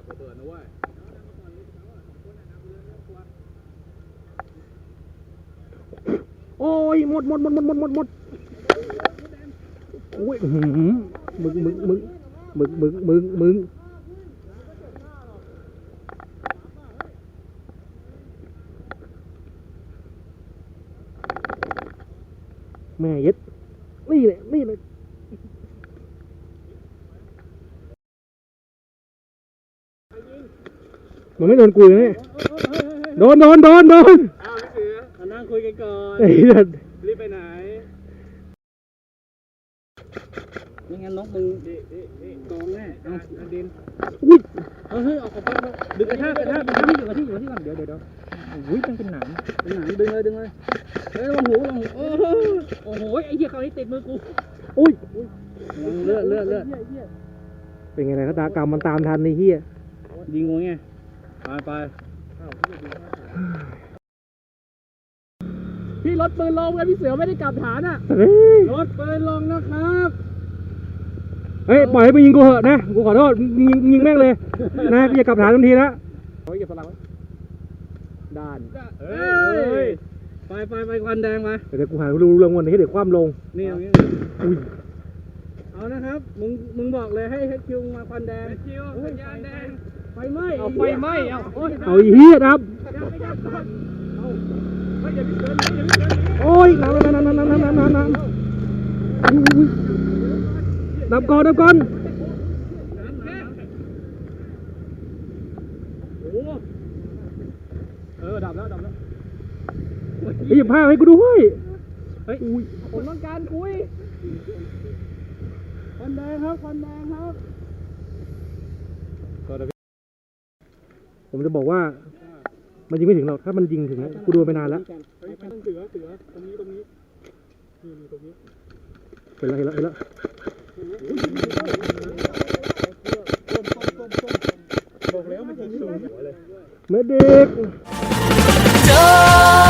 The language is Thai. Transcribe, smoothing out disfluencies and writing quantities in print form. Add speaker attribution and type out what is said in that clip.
Speaker 1: โอ้ยหมดโอ้ยมึงแม่ยึดนี่เลยมันไม่โดนกูเลยเนี่ยโดนอ้าวพี่เสือมานั่งคุยกันก่อนรีบไปไหนไม่งั้นน้องมึงกองแน่เอาดินอุ้ยเฮ้ยออกไปดึงกระทะอยู่กับที่ก่อนเดี๋ยวอุ้ยเป็นหนามดึงเลยเฮ้ยลงหูโอ้โหไอ้เหี้ยเขาให้ติดมือกูอุ้ยเลือดเป็นไงนะตากรรมมันตามทันในเหี้ยยิงงูไงไปพี่รถปืนลงกันพี่เสือไม่ได้กลับฐานอ่ะรถปืนลงนะครับเฮ้ยปล่อยให้ไปยิงกูเหอะนะกูขอโทษยิงแม่งเลยนะพี่จะกลับฐานทันทีนะโอ้ยอย่าสลับด้านไปควันแดงมาเดี๋ยวกูหาดูเรื่องวันนี้เดี๋ยวคว่ำลงนี่อุ้ยเอานะครับมึงบอกเลยให้คิวมาควันแดงสัญญาณแดงไฟไหม้เอาเหี้ยครับโอ้ยน้ำดับก่อนโอ้ดับแล้วหยิบผ้าให้กูด้วยเฮ้ยผมต้องการคุยควันแดงครับผมจะบอกว่ามันยิงไม่ถึงหรอกถ้ามันยิงถึงกูดูไปนานแล้วเสือตรงนี้เห็นแล้วบอกแล้วมันจะไม่เด็ก